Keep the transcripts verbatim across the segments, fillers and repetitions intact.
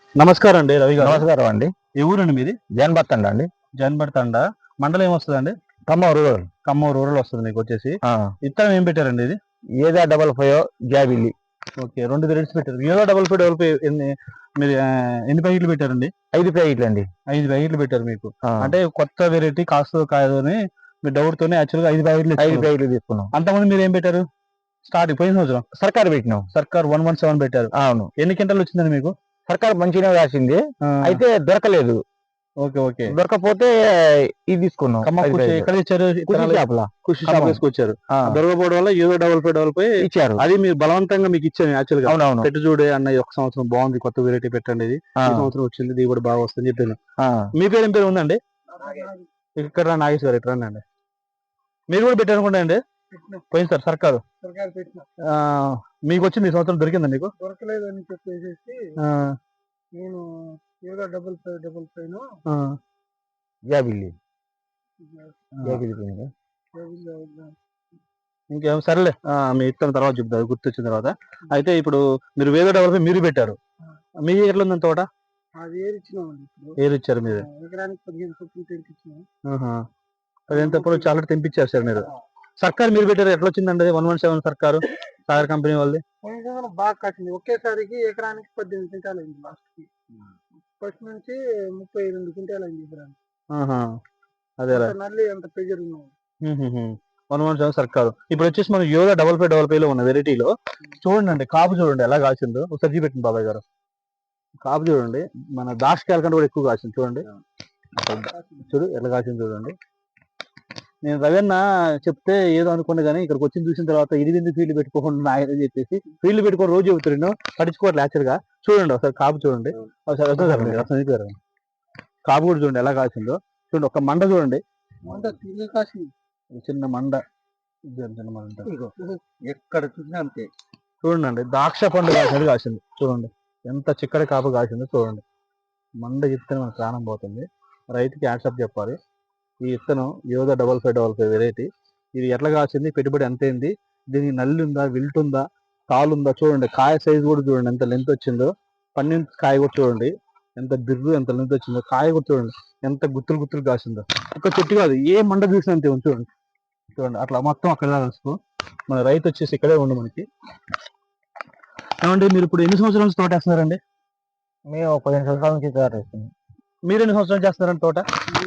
నమస్కారం అండి రవి గారు. నమస్కారం అండి. ఏ ఊరండి మీది? జాన్బర్తండ అండి. జాన్బర్త్ తండా. మండలం ఏమొస్తదండి? ఖమ్మం రూరల్. ఖమ్మం రూరల్ వస్తది మీకొచ్చేసి. ఆ! విత్తనం ఏం పెట్టారండి ఇది? ఏదా డబల్ ఫైవ్ జాబిల్లి. ఓకే. రెండు వెరైటీస్ పెట్టారు. ఏదో డబుల్ ఫైవ్ డబుల్ ఫైవ్ ఎన్ని మీరు ఆహ్, ఎన్ని ప్యాకెట్లు పెట్టారండి? ఐదు ప్యాకెట్లండి. ఐదు ప్యాకెట్లు పెట్టారు మీకు. ఆ! అంటే కొత్త వెరైటీ కాస్తదో కాదో అని మీ డౌట్‌తోనే యాక్చువల్‌గా ఐదు ప్యాకెట్లు ఐదు తెచ్చుకున్నారు. ప్యాకెట్లు తీసుకున్నాం. అంతకుముందు మీరేం పెట్టారు? స్టార్టింగ్ పోయిన సంవత్సరం సర్కార్ పెట్టినాం. సర్కార్ ఒకటి పదిహేను పెట్టారు. అవును. ఎన్ని క్వింటాలు వచ్చిందండి మీకు? సర్కార్ మంచిగానే రాసింది. ఆ! అయితే దొరకలేదు. ఓకే. ఓకే. దొరకపోతే ఇది తీసుకున్నాం. ఖమ్మం ఐదు కుషి ప్యాకెట్లు. ఎక్కడ తెచ్చారు కుషి విత్తనాలు? షాపుల కుషి షాప్ ఖమ్మం. తీసుకొచ్చారు. ఆ! దొరకకపోవడం వల్ల ఏదో డబుల్ ఫైవ్ డబుల్ ఫైవ్ ఇచ్చారు. అది మీరు బలవంతంగా మీకు ఇచ్చాను యాక్చువల్‌గా. అవునవును. పెట్టు చూడే అన్న ఈ ఒక్క సంవత్సరం బాగుంది. కొత్త వెరైటీ పెట్టండి ఇది. ఆ! ఈ సంవత్సరం వచ్చింది దిగుబడి బాగా వస్తుందని చెప్పాను. ఆ! మీ పేరు ఏం పేరు ఉందండి? ఇక్కడ రా నాగేశ్వర్ ఇటు రండి అండి. మీరు కూడా పెట్టారనుకుంటా అండి? పోయింది సార్ సర్కారు. ఆ, మీకు వచ్చింది ఈ సంవత్సరం దొరికిందా మీకు? దొరకలేదని చెప్పేసి ఆ, నేను ఏదో డబుల్ ఫైవ్ డబుల్ ఫైవ్ ఆ, జాబిల్లి. జాబిల్లి పోయిందా? ఇంకేం సరేలే. ఆ, మీ ఇత్తనం తర్వాత చెప్తారు గుర్తొచ్చిన తర్వాత. అయితే ఇప్పుడు మీరు వేరే డెవలప్ మీరు పెట్టారు. మీ ఎట్లా ఉందని తోట? అది ఏరి ఇచ్చినామండి. ఇప్పుడు ఏరు ఇచ్చారు మీరు. ఎకరానికి పదిహేను చొప్పున తెరిపించినాం. ఆహా. అదెంత ఎప్పుడు చాలా తెంపించారు సార్ మీరు. సర్కార్ మీరు పెట్టారు ఎట్లా వచ్చిందండి వన్ వన్ సెవెన్ సర్కారు సాగర్ కంపెనీ వాళ్ళది? పోయిన సంవత్సరం బాగా కాసింది. ఒకేసారికి ఎకరానికి పద్దెనిమిది క్వింటాలు అయింది లాస్ట్ కి. ఫస్ట్ నుంచి ముప్పై రెండు క్వింటాలు అయింది ఎకరానికి. ఆహా. అదేరా. అంత నల్లి అంత ప్రెజర్ ఉన్నాం. వన్ వన్ సెవెన్ సర్కారు. ఇప్పుడు వచ్చేసి మనం యోగా డబల్ ఫైవ్ డబల్ ఫైవ్ లో ఉన్న వెరైటీలో చూడండి కాపు చూడండి ఎలా కాసిందో. ఒకసారి పెట్టింది బాబాయ్ గారు. కాపు చూడండి మన దాష్కాయల కంటే కూడా ఎక్కువ కాసింది చూడండి. చూడు ఎలా కాసింది చూడండి. నేను రవీన్న చెప్తే ఏదో అనుకున్నా కానీ ఇక్కడికి వచ్చి చూసిన తర్వాత ఇది ఎందుకు ఫీల్డ్ పెట్టుకోకుండా ఆయన చెప్పేసి ఫీల్డ్ పెట్టుకొని రోజు చెబుతున్నాను పట్టించుకోవట్లేదు యాక్చువల్గా. చూడండి ఒకసారి కాపు చూడండి. ఒకసారి వస్తుంది రసం కాపు కూడా చూడండి ఎలా కాసిందో. చూడండి ఒక మండ చూడండి. మంట తిరిగి కాసింది. చిన్న మండ చిన్న మండ ఎక్కడ చూసినా అంతే. చూడండి ద్రాక్ష పండు కాసినది కాసింది చూడండి. ఎంత చిక్కడి కాపు కాసిందో చూడండి. మండ చెప్తేనే మన ప్రాణం పోతుంది. రైతుకి యాక్సెప్ట్ చెప్పాలి. ఈ విత్తనం యోగా double five double five variety. ఇది ఎట్లా కాసింది, పెట్టుబడి ఎంత అయింది, దీనికి నల్లి ఉందా, విల్ట్ ఉందా, తాలు ఉందా చూడండి. కాయ సైజు కూడా చూడండి ఎంత లెంత్ వచ్చిందో. పన్నెండు కాయ కూడా చూడండి ఎంత బిర్రు ఎంత లెంత్ వచ్చిందో. కాయ కూడా చూడండి ఎంత గుత్తులు గుత్తులు కాసిందో. ఒక చెట్టు కాదు ఏ మండ చూసినా అంతే ఉంది చూడండి. చూడండి అట్లా మొత్తం అక్కడ కలుసుకో. మన రైతు వచ్చేసి ఇక్కడే ఉండు మనకి. ఏమంటే మీరు ఇప్పుడు ఎన్ని సంవత్సరాల నుంచి తోట వేస్తున్నారండి? మేము పదిహేను సంవత్సరాల నుంచి తయారు చేస్తున్నాం. మీరు ఎన్ని సంవత్సరాలు చేస్తున్నారండి తోట?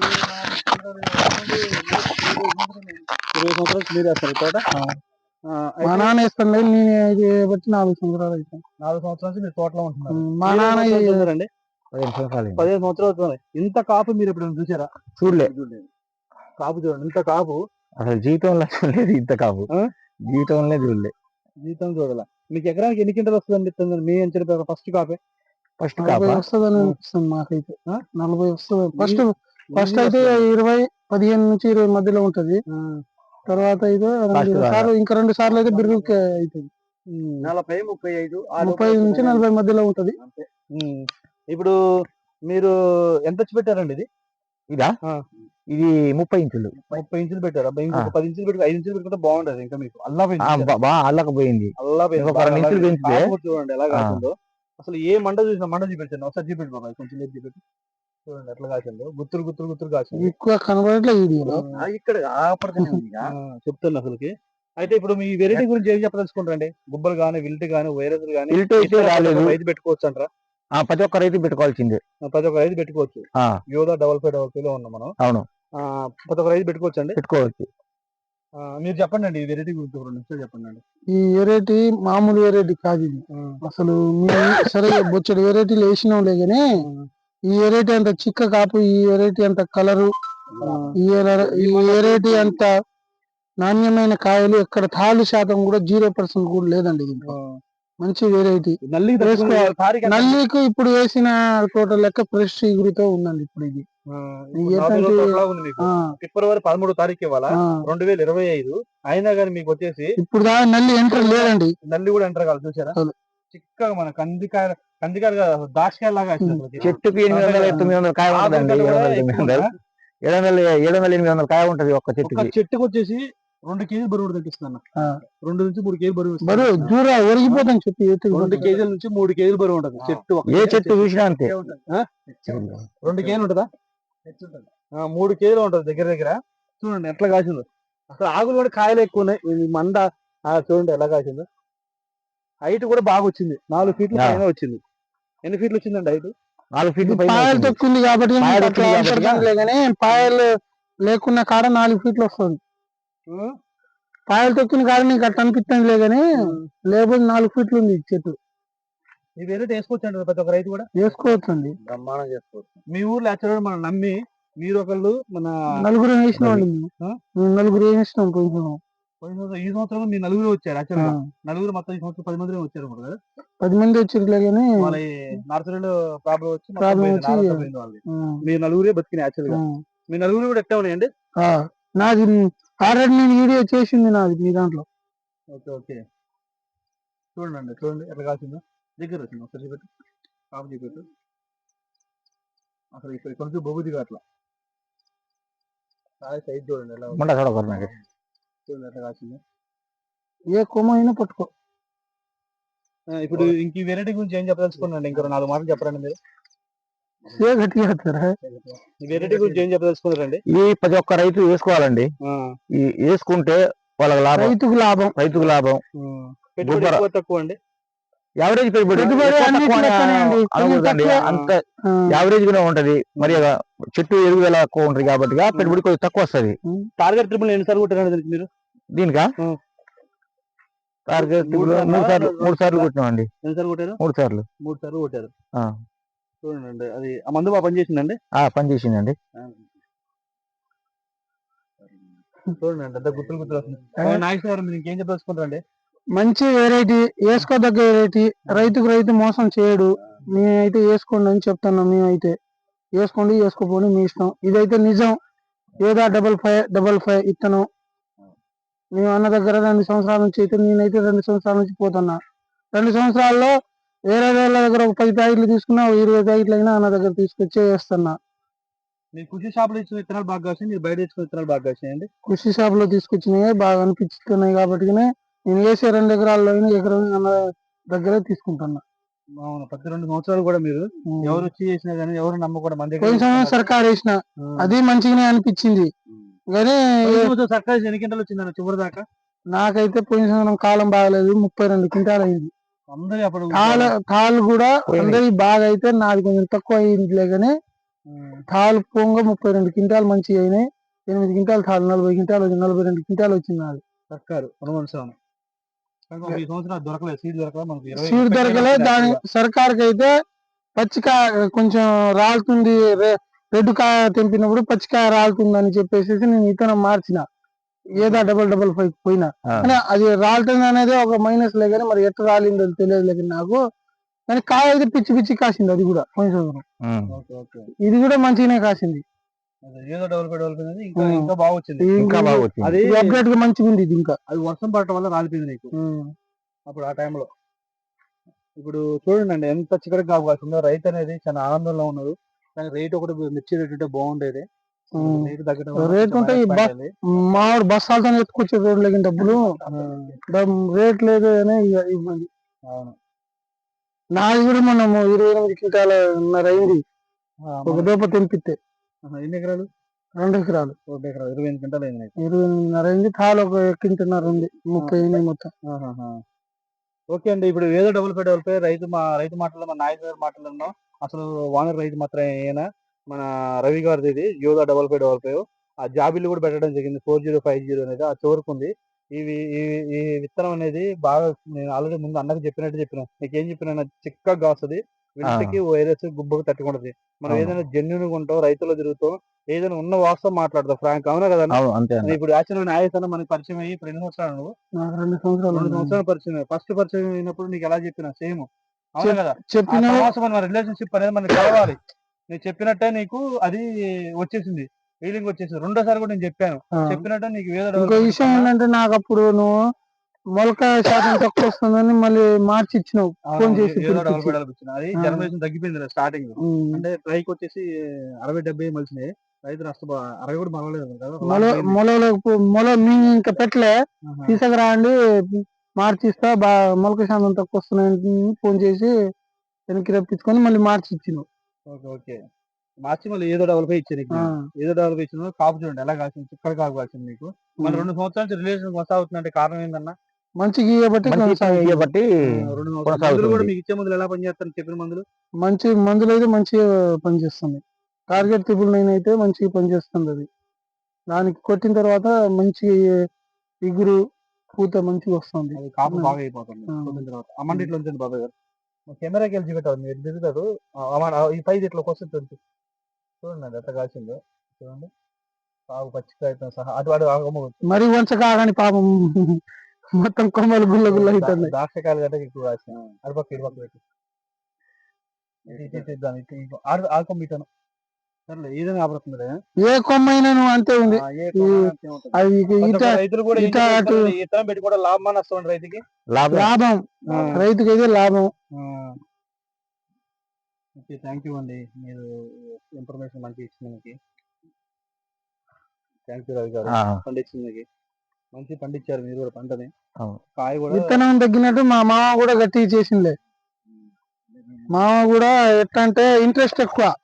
ఇరవై సంవత్సరాల నుంచి మీరు వేస్తారు తోట? మా నాన్న వేస్తాను నేను ఇది బట్టి నాలుగు సంవత్సరాలు అవుతాయి. నాలుగు సంవత్సరాల నుంచి మీరు తోటలో ఉంటున్నారు. మా నాన్న చూసారండి పదిహేను సంవత్సరాలు. పదిహేను సంవత్సరాలు అవుతుంది. ఇంత కాపు మీరు ఎప్పుడైనా చూసారా? చూడలే. కాపు చూడండి ఇంత కాపు అసలు జీవితంలో చూడలేదు ఇంత కాపు. జీవితంలో చూడలే. జీతం చూడాల. మీకు ఎకరానికి ఎన్ని క్వింటాలు వస్తుంది మీ అంచనా ఫస్ట్ కాపే? ఫస్ట్ నలభై వస్తుందని అనిపిస్తుంది మాకైతే. నలభై వస్తుంది ఫస్ట్. ఫస్ట్ అయితే ఇరవై పదిహేను నుంచి ఇరవై మధ్యలో ఉంటది. తర్వాత అయితే రెండు సార్లు ఇంకా రెండు సార్లు అయితే బిర్రు అవుతుంది. నలభై ముప్పై ఐదు ముప్పై ఐదు నుంచి నలభై మధ్యలో ఉంటది. ఇప్పుడు మీరు ఎంత వచ్చి పెట్టారండి ఇది? ఇదా ఇది ముప్పై ఇంచులు. ముప్పై ఇంచులు పెట్టారు. అబ్బాయి ఇంకొక పది ఇంచులు పెట్టి ఐదు ఇంచులు పెట్టుకుంటే బాగుంటది. ఇంకా మీకు అల్లా బాగా అల్లకపోయింది. అల్లా ఇంచులు పెంచితే చూడండి ఎలా కాసిందో. అసలు ఏ మండ చూసినా మండ చూపించండి ఒకసారి చూపెట్టు బాబాయ్ కొంచెం లేదు చూపెట్టు. చూడండి ఎట్లా కాసిందో. గుత్తులు గుత్తులు గుత్తులు కాసింది. ఎక్కువ కనబడట్లే వీడియోలో. ఇక్కడ చెప్తాను అసలుకి. అయితే ఇప్పుడు మీ వెరైటీ గురించి ఏం చెప్పదలుచుకుంటారండి? గుబ్బలు గానీ విల్ట్ గానీ వైరస్ గానీ రైతు పెట్టుకోవచ్చు అంటారా? ప్రతి ఒక్క రైతు పెట్టుకోవాల్సిందే. ప్రతి ఒక్క రైతు పెట్టుకోవచ్చు. యోగా డబల్ ఫైవ్ డబల్ ఫైవ్ లో ఉన్నాం మనం. అవును. ప్రతి ఒక్క రైతు పెట్టుకోవచ్చు అండి. పెట్టుకోవచ్చు. మీరు చెప్పండి అండి ఈ వెరైటీ గురించి రెండు నిమిషాలు చెప్పండి అండి. ఈ వెరైటీ మామూలు వెరైటీ కాదు ఇది. అసలు సరే బొచ్చడు వెరైటీలు వేసినాంలే గానీ ఈ వెరైటీ అంత చిక్క కాపు, ఈ వెరైటీ అంత కలరు, ఈ వెరైటీ అంత నాణ్యమైన కాయలు ఎక్కడ తాలు శాతం కూడా జీరో పర్సెంట్ కూడా లేదండి. దీంట్లో మంచి వెరైటీ. నల్లికి ఇప్పుడు వేసిన టోటల్ లెక్క ఫ్రెష్ ఎగురుతో ఉందండి ఇప్పుడు ఇది. ఫిబ్రవరి పదమూడో తారీఖు ఇవ్వాలా రెండు వేల ఇరవై ఐదు అయినా కానీ మీకు వచ్చేసి ఇప్పుడు దాకా నల్లి ఎంటర్ లేదండి. నల్లి కూడా ఎంటర్ కాదు చూసారా? చిక్కగా మన కందికాయ కందికాయ దాక్షకాయ లాగా చెట్టుకి ఎనిమిది వందల తొమ్మిది వందల కాయ ఉంటుందండి. ఏడు వందల ఏడు వందల ఏడు వందల ఎనిమిది వందల కాయ ఉంటది ఒక్క చెట్టుకి. చెట్టుకు వచ్చేసి రెండు కేజీలు బరువు తగ్గిస్తుంది అన్న. ఆ. రెండు నుంచి మూడు కేజీలు బరువు ఇస్తుంది. బరువు దూర ఒరిగిపోతాం చెట్టు రెండు ఎత్తుకు కేజీల నుంచి మూడు కేజీలు బరువు ఉంటుంది చెట్టు. ఒక ఏ చెట్టు చూసినా అంతే. ఆ? రెండు కేజీలు ఉంటుందా? ఆ, మూడు కేజీలు ఉంటుంది దగ్గర దగ్గర. చూడండి ఎట్లా కాసిందో. అసలు ఆకులు కూడా కాయలు ఎక్కువ ఉన్నాయి. ఈ మంద ఆ, చూడండి ఎలా కాసిందో. హైట్ కూడా బాగా వచ్చింది. నాలుగు ఫీట్ల ఆ. పైన వచ్చింది. ఎన్ని ఫీట్లు వచ్చిందండి హైట్? నాలుగు ఫీట్లు పైన పాయలు ఉంటుంది. తొక్కింది కాబట్టి పాయలు మీకు తొక్కింది అట్లా కాబట్టి అవసరం లేదు కానీ పాయలు లేకున్న కాడ నాలుగు ఫీట్లు వస్తుంది. పాయలు తొక్కిన కాడ నీకు అట్లా అనిపిస్తుంది లే కానీ లేబుల్ నాలుగు ఫీట్లు ఉంది ఈ చెట్టు. ఈ వెరైటీ వేసుకోవచ్చు అండి ప్రతి ఒక్క రైతు కూడా వేసుకోవచ్చు అండి. బ్రహ్మాండం చేసుకోవచ్చు. మీ ఊర్లో యాక్చువల్గా మనం నమ్మి మీరు ఒకళ్ళు మన నలుగురు వేసినాం అండి మేము. ఆ? మేము నలుగురు వేసినాం కొంచెం. పోయిన సంవత్సరం ఈ సంవత్సరం మీ నలుగురు వచ్చారు యాక్చువల్గా. నలుగురు మొత్తం ఈ సంవత్సరం పది మంది వచ్చారు అనుకుంటా కదా. పది మంది వచ్చిర్లే కానీ వాళ్ళ నర్సరీలో ప్రాబ్లం వచ్చి మొత్తం ప్రాబ్లం పోయింది, వచ్చి నాలుగు పోయింది వాళ్ళది. మీ నలుగురే బతికినాయి యాక్చువల్గా. మీ నలుగురు కూడా ఎట్లా ఉన్నాయండి? ఆ, నాది ఆల్రెడీ నేను వీడియో చేసింది నాది మీ దాంట్లో. ఓకే ఓకే చూడండి చూడండి ఎట్లా కాల్సిందో. దగ్గర వచ్చింది ఒకసారి చూపెట్టు, కాపు చూపెట్టు. అసలు ఇక్కడ కొంచెం బొగుదిగా అట్లా సైజ్ చూడండి ఎలా ఉంది. ముండ చూడకూడదు నాకు. చూడండి ఎట్లా కాల్సిందో. ఏ కొమ్మ అయినా పట్టుకో. ఆ, ఇప్పుడు ఇంక ఈ వెరైటీ గురించి ఏం చెప్పదలుచుకున్నాండి? ఇంకో నాలుగు మాటలు చెప్పరండి మీరు. ఏ గట్టిగా వేస్తారా? ఈ వెరైటీ గురించి ఏం చెప్పదలుచుకున్నారండి? ఈ ప్రతి ఒక్క రైతు వేసుకోవాలండి. ఈ వేసుకుంటే వాళ్ళకి లాభం, రైతుకు లాభం. రైతుకు లాభం. పెట్టుబడి ఎక్కువ తక్కువ అండి. యావరేజ్ పెట్టుబడి పెట్టుబడి ఎక్కువ అన్నిట్లో తక్కువ అని లెక్కనే అండి. అనకూడదండి. తక్కువ. అంత ఆ, యావరేజ్ గానే ఉంటది. మరి ఆ చెట్టు ఎరువుల ఎక్కువ ఉంటది కాబట్టి పెట్టుబడి కొంచెం తక్కువ వస్తది. టార్గెట్ ట్రిపుల్ ఎన్నిసార్లు కొట్టారండి దీనికి మీరు? దీనికా ఆ. టార్గెట్ మూడు సార్లు, మూడు సార్లు మూడు సార్లు కొట్టినామండి. ఎన్నిసార్లు కొట్టారు? మూడు సార్లు మూడు సార్లు కొట్టారు. ఆ. చూడండి అది ఆ మందు బాగా పనిచేసిందండి. ఆ పని చేసిందండి. చూడండి అంత గుర్తులు గుర్తులు వస్తుంది. నాగేశ్వర గారు మీరు ఇంకేం చెప్పదలుచుకుంటారండి? మంచి వెరైటీ, వేసుకోదగ్గ వెరైటీ. రైతుకు రైతు మోసం చేయడు. మేమైతే వేసుకోండి అని చెప్తున్నాం. మేమైతే వేసుకోండి, వేసుకోపోండి మీ ఇష్టం. ఇదైతే నిజం. ఏదా డబల్ ఫైవ్ డబల్ ఫైవ్ ఇత్తనం మేము అన్న దగ్గర రెండు సంవత్సరాల నుంచి అయితే నేనైతే రెండు సంవత్సరాల నుంచి పోతున్నా. రెండు సంవత్సరాల్లో వేరే వాళ్ళ దగ్గర ఒక పది ప్యాకెట్లు తీసుకున్నా, ఒక ఇరవై ప్యాకెట్లు అయినా అన్న దగ్గర తీసుకొచ్చి వేస్తున్నా. మీరు కృషి షాపులో ఇచ్చిన విత్తనాలు బాగా కాసాయి, మీరు బయట ఇచ్చిన విత్తనాలు బాగా కాసాయండి? కృషి షాప్ లో తీసుకొచ్చినాయి బాగా అనిపిస్తున్నాయి కాబట్టి నేను వేసే రెండు ఎకరాల్లో అయినా ఎకరం అన్న దగ్గరే తీసుకుంటున్నా. అవును, ప్రతి రెండు సంవత్సరాలు కూడా మీరు ఎవరు వచ్చి చేసినా కానీ ఎవరు నమ్మకూడదు మన దగ్గర. పోయిన సంవత్సరం సర్కార్ వేసిన అది మంచిగానే అనిపించింది కానీ సర్కార్ ఎన్ని కింటాలు వచ్చిందన్న చివరి దాకా? నాకైతే పోయిన సంవత్సరం కాలం బాగలేదు, ముప్పై రెండు క్వింటాలు అయింది. అందరూ అప్పుడు తాళ్ళు తాళ్ళు కూడా అందరి బాగా అయితే నాది కొంచెం తక్కువ అయిందిలే కానీ తాళ్ళు పొంగ ముప్పై రెండు క్వింటాలు మంచిగా అయినాయి. ఎనిమిది క్వింటాలు తాళ్ళు నలభై క్వింటాలు వచ్చింది, నలభై రెండు క్వింటాలు వచ్చింది నాది. సర్కారు అనుమానం ఈ సంవత్సరం దొరకలేదు, సీడ్ దొరకలేదు మనకి. సీడ్ దొరకలేదు. దాని సర్కార్కి అయితే పచ్చికాయ కొంచెం రాలుతుంది, రెడ్ కాయ తెంపినప్పుడు పచ్చికాయ రాలుతుంది అని చెప్పేసి నేను విత్తనం మార్చిన. ఏదా డబల్ డబల్ ఫైవ్ పోయినా కానీ అది రాలుతుంది అనేది ఒక మైనస్ లే కానీ మరి ఎట్లా రాలిందో తెలియదు లేదు నాకు. కానీ కాయ అయితే పిచ్చి పిచ్చి కాసింది. అది కూడా పోయిన సంవత్సరం ఇది కూడా మంచిగానే కాసింది. ఏదో డెవలప్ డెవలప్ అనేది ఇంకా ఇంకా బాగా వచ్చింది. ఇంకా బాగా వచ్చింది. అది అప్డేట్ గా మంచిగా ఉంది. ఇది ఇంకా అది వర్షం పడటం వల్ల రాలిపోయింది నీకు అప్పుడు ఆ టైంలో. ఇప్పుడు చూడండి అండి ఎంత చిక్కడికి కాపు కాసిందో. రైతు అనేది చాలా ఆనందంలో ఉన్నారు. కానీ రేట్ ఒకటి మిర్చి రేట్ ఉంటే బాగుండేది. రేటు తగ్గడం రేట్ ఉంటే మామిడి బస్సాలతో ఎత్తుకొచ్చే రోడ్లు డబ్బులు రేట్ లేదు అనే ఇబ్బంది. అవును, నాది కూడా మనం ఇరవై ఎనిమిది క్వింటాల అయింది ఒక దోప తెంపితే. ఎన్ని ఎకరాలు? రెండు ఎకరాలు. రెండు ఎకరాలు ఇరవై ఎనిమిది క్వింటాలు అయింది. ఇరవై ఎనిమిదిన్నర అయింది. తాలు ఒక క్వింటన్నర ఉంది, ముప్పై అయినాయి మొత్తం. ఓకే అండి, ఇప్పుడు ఏదో డబుల్ ఫైవ్ డబుల్ ఫైవ్ రైతు మా రైతు మాటల్లో మన నాయకు గారు మాటల్లో అసలు వానర్ రైతు మాత్రం అయినా మన రవి గారిది ఇది యోగా డబల్ ఫైవ్ డబల్ ఫైవ్ ఆ జాబిల్లు కూడా పెట్టడం జరిగింది. ఫోర్ జీరో ఫైవ్ జీరో అనేది ఆ చివరికి ఉంది. ఇవి ఈ విత్తనం అనేది బాగా నేను ఆల్రెడీ ముందు అన్నకు చెప్పినట్టు చెప్పిన నీకు ఏం చెప్పిన చిక్కగా కాస్తుంది. వింతకి వైరస్ గుబ్బకు తట్టుకుంటది. మనం ఏదైనా జెన్యున్ గా ఉంటాం, రైతుల్లో తిరుగుతాం, ఏదైనా ఉన్న వాస్తవం మాట్లాడతాం ఫ్రాంక్. అవునా కదా? ఇప్పుడు యాక్చువల్ నాయకులు మనకి పరిచయం అయ్యి ఇప్పుడు ఎన్ని సంవత్సరాలు నువ్వు? రెండు సంవత్సరాలు రెండు సంవత్సరాలు పరిచయం. ఫస్ట్ పరిచయం అయినప్పుడు నీకు ఎలా చెప్పినా సేమ్ అవునా కదా? చెప్పిన మన రిలేషన్షిప్ అనేది మనకి కలవాలి. నేను చెప్పినట్టే నీకు అది వచ్చేసింది, ఫీలింగ్ వచ్చేసింది. రెండోసారి కూడా నేను చెప్పాను, చెప్పినట్టే నీకు ఇంకో విషయం ఏంటంటే నాకు అప్పుడు నువ్వు మొలకాయ శాతం తక్కువ వస్తుందని మళ్ళీ మార్చి ఇచ్చినావు ఫోన్ చేసి. అది జనరేషన్ తగ్గిపోయింది స్టార్టింగ్. అంటే ట్రైకి వచ్చేసి అరవై డెబ్బై మలిసినాయి. రైతు నష్టపో అరవై కూడా మరవలేదు కదా మొల మొలలో మొల మీ ఇంకా పెట్టలే తీసుకురాండి మార్చి ఇస్తా బా మొలక శాతం తక్కువ వస్తున్నాయని ఫోన్ చేసి వెనక్కి రప్పించుకొని మళ్ళీ మార్చి ఇచ్చినావు. ఓకే ఓకే మార్చి మళ్ళీ ఏదో డబల్ ఫైవ్ ఇచ్చారు నీకు. ఆ, ఏదో డబల్ ఫైవ్ ఇచ్చిన కాపు చూడండి ఎలా కాసింది, చిక్కడ కాపు కాసింది నీకు. మన రెండు సంవత్సరాల నుంచి రిలేషన్ కొనసాగుతుందంటే కారణం ఏందన్నా? మంచిగా ఇయ్యబట్టి మంచి కొనసాగుతుంది. ఇయ్యబట్టి ఆ, రెండు సంవత్సరాలు మందులు కూడా కొనసాగుతుంది. మీకు ఇచ్చే మందులు ఎలా పనిచేస్తారు చెప్పిన మందులు? మంచి మందులు అయితే మంచిగా పనిచేస్తుంది. టార్గెట్ ట్రిపుల్ నైన్ అయితే మంచిగా పనిచేస్తుంది. అది దానికి కొట్టిన తర్వాత మంచి ఇగురు పూత మంచిగా వస్తుంది. అది కాపు ఉమ్. బాగా అయిపోతుంది ఆ. కొట్టిన తర్వాత. అమ్మండి ఉంచండి బాబాయ్ గారు, కెమెరాకి వెళ్ళి చూపెట్టాలి మీరు దిగుతారు. అమ్మ ఈ పైది ఇట్లా వస్తుంది చూడండి అది ఎంత కాసిందో చూడండి. కాపు పచ్చికాయతో సహా అటు అటు అమ్మవచ్చు. మరి వంచ కాగాని పాపం మొత్తం కొమ్మలు గుల్ల గుల్ల అవుతున్నాయి. ద్రాక్షకాయలు కంటే ఎక్కువ కాసిన అటుపక్క ఇటుపక్క పెట్టి ఇటు ఇటు ఇటు ఇద్దాం. ఇటు ఇటు ఆడు ఆడుకోం ఇటాను సర్లే ఏదైనా ఆపడుతుంది. ఏ కొమ్మ అయినా నువ్వు అంతే ఉంది. అది ఇట రైతులు కూడా ఏం ఇట అటు చేస్తారు, ఈ ఇత్తనం పెట్టి కూడా లాభమని వస్తుంది రైతుకి. లాభం లాభం ఆ. రైతుకి అయితే లాభం. ఓకే థ్యాంక్ యూ అండి, మీరు ఇన్ఫర్మేషన్ మంచిగా ఇచ్చినందుకు థ్యాంక్ యూ రవి గారు. ఆ, పండించింది మంచి పండించారు మీరు కూడా పంటని. అవును. కాయ కూడా విత్తనం తగ్గినట్టు మా మామ కూడా గట్టిగా చేసిందిలే. మామ కూడా ఎట్లా అంటే ఇంట్రెస్ట్ ఎక్కువ.